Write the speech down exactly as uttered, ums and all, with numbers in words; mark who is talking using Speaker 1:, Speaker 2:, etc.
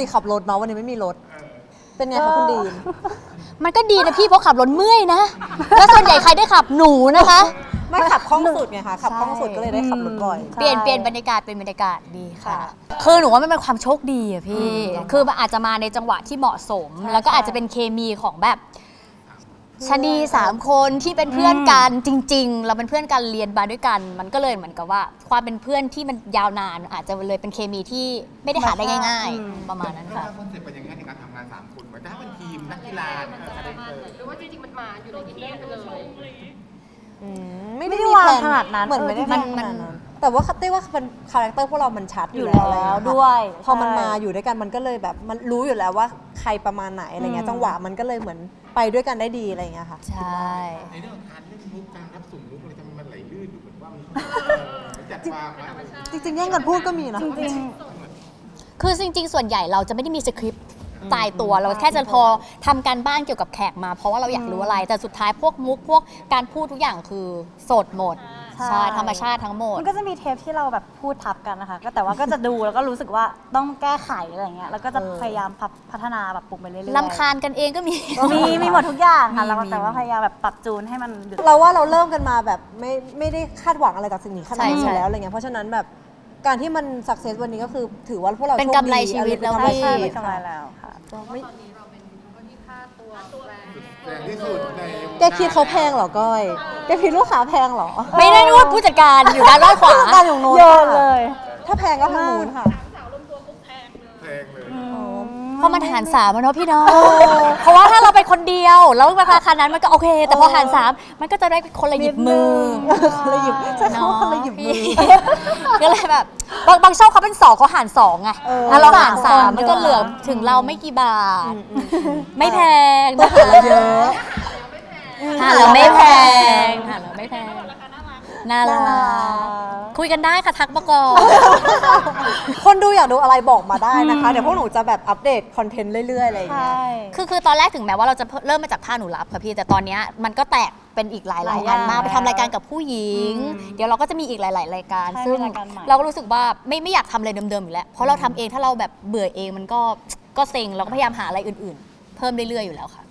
Speaker 1: ติขับรถเนาะวันนี้ไม่มีรถเป็นไงคะคุณดีน
Speaker 2: มันก็ดีนะพี่เพราะขับรถเมื่อยนะแล้วส่วนใหญ่ใครได้ขับหนูนะคะ
Speaker 1: ไม่ขับคล่องสุดไงคะขับคล่องสุดก็เลยได้ขับรถบ่อย
Speaker 2: เปลี่ยนเปลี่ยนบรรยากาศเป็นบรรยากาศดีค่ะคือหนูว่ามันเป็นความโชคดีอะพี่คือมันอาจจะมาในจังหวะที่เหมาะสมแล้วก็อาจจะเป็นเคมีของแบบชะนีสามคนที่เป็นเพื่อนกันจริงๆเราเป็นเพื่อนกันเรียนมาด้วยกันมันก็เลยเหมือนกับว่าความเป็นเพื่อนที่มันยาวนานอาจจะเลยเป็นเคมีที่ไม่ได้หาได้ง่ายๆประมาณนั้นค่ะ
Speaker 3: คอนเซ็ปต์เป็นอย่างนี้ในการทำงานสามคนเหมือนจะให้เป็นทีมนักกีฬา
Speaker 4: หรือว่าจริงๆมันมาอยู่ในทีมกันเลย
Speaker 1: ไม่ได้วางขนาดนั้นเหมือนไม่ได้มันมันแต่ว่าเต้ว่าเป็นคาแรคเตอร์พวกเรามันชัดอยู่แล้วด้วยพอมันมาอยู่ด้วยกันมันก็เลยแบบมันรู้อยู่แล้วว่าใครประมาณไหนอะไรเงี้ยจังหวะมันก็เลยเหมือนไปด้วยกันได้ดีอะไรเงี้ยค่ะ
Speaker 2: ใช่
Speaker 3: ในเรื่องการเล่นมุกการรับส่งมุกอะไรจะมันไหลลื่นอยู่เหมือนว่ามันจัดวาง
Speaker 1: จริงๆแย่งกันพูดก็มีนะ
Speaker 2: จริงๆคือจริงๆส่วนใหญ่เราจะไม่ได้มีสคริปต์ตายตัวเราแค่จะพอทำการบ้านเกี่ยวกับแขกมาเพราะว่าเราอยากรู้อะไรแต่สุดท้ายพวกมุกพวกการพูดทุกอย่างคือสดหมดใช่ธรรมชาติทั้งหมด
Speaker 5: มันก็จะมีเทปที่เราแบบพูดทับกันนะคะก็แต่ว่าก็จะดูแล้วก็รู้สึกว่าต้องแก้ไขอะไรเงี้ยแล้วก็จะพยายามพัฒนาแบบปรุงไปเรื่อยๆ
Speaker 2: รำคาญกันเองก็มี
Speaker 5: มีมีหมดทุกอย่างค่ะแล้วแต่ว่าพยายามแบบปรับจูนให้มัน
Speaker 1: เราว่าเราเริ่มกันมาแบบไม่ไม่ได้คาดหวังอะไรจากสิ่งนี้ขนาดนี้อยู่แล้วอะไรเงี้ยเพราะฉะนั้นแบบการที่มันสักเซสวันนี้ก็คือถือว่าพวกเรา
Speaker 2: เป็นกำไรชีวิตแล้วพี่
Speaker 5: เป็นกำไรแล้วค่ะ
Speaker 4: ตอนนี้เราเป็นคนที่ค่าตัวแรง
Speaker 3: แรงที่สุดใน
Speaker 1: แกคิดเขาแพงเหรอก้อยแกคิดลูกค้าแพงเหรอ
Speaker 2: ไม่ได้นวดผู้จัดการอยู่ด้านล่างขวา
Speaker 1: ด้านอยู่โน้น
Speaker 5: โยนเลย
Speaker 1: ถ้าแพงก็ทางนู้นค่ะ
Speaker 4: สาวรวมตัวปุ๊บแพงเลย
Speaker 3: แพงเลย
Speaker 2: เพราะมันหารสามเนาะพี่น้องเพราะว่าถ้าเราไปคนเดียวแล้วราคานั้นมันก็โอเคแต่พอหารสามมันก็จะได้คนละหยิบมือ
Speaker 1: คนละหยิบใช่เขาคนละหยิบมือ
Speaker 2: ก็เลยแบบบางบางช่องเขาเป็นสองเขาหารสองไงถ้าเราหารสามมันก็เหลือถึงเราไม่กี่บาทไม่แพงนะคะเยอะหารแล้วไม่แพงหารแล้วไม่แพงน่ารักคุยกันได้ค่ะทักมาก่อน
Speaker 1: คนดูอยากดูอะไรบอกมาได้นะคะเดี๋ยวพวกหนูจะแบบอัปเดตคอนเทนต์เรื่อยๆอะไรอย่างเงี้ย
Speaker 2: คือคือตอนแรกถึงแม้ว่าเราจะเริ่มมาจากผ้าหนูรับค่ะพี่แต่ตอนนี้มันก็แตกเป็นอีกหลายๆอันมากไปทำรายการกับผู้หญิงเดี๋ยวเราก็จะมีอีกหลายๆรายการซึ่งเราก็รู้สึกว่าไม่ไม่อยากทำอะไรเดิมๆอยู่แล้วเพราะเราทำเองถ้าเราแบบเบื่อเองมันก็ก็เซ็งเราก็พยายามหาอะไรอื่นๆเพิ่มเรื่อยๆอยู่แล้วค่ะ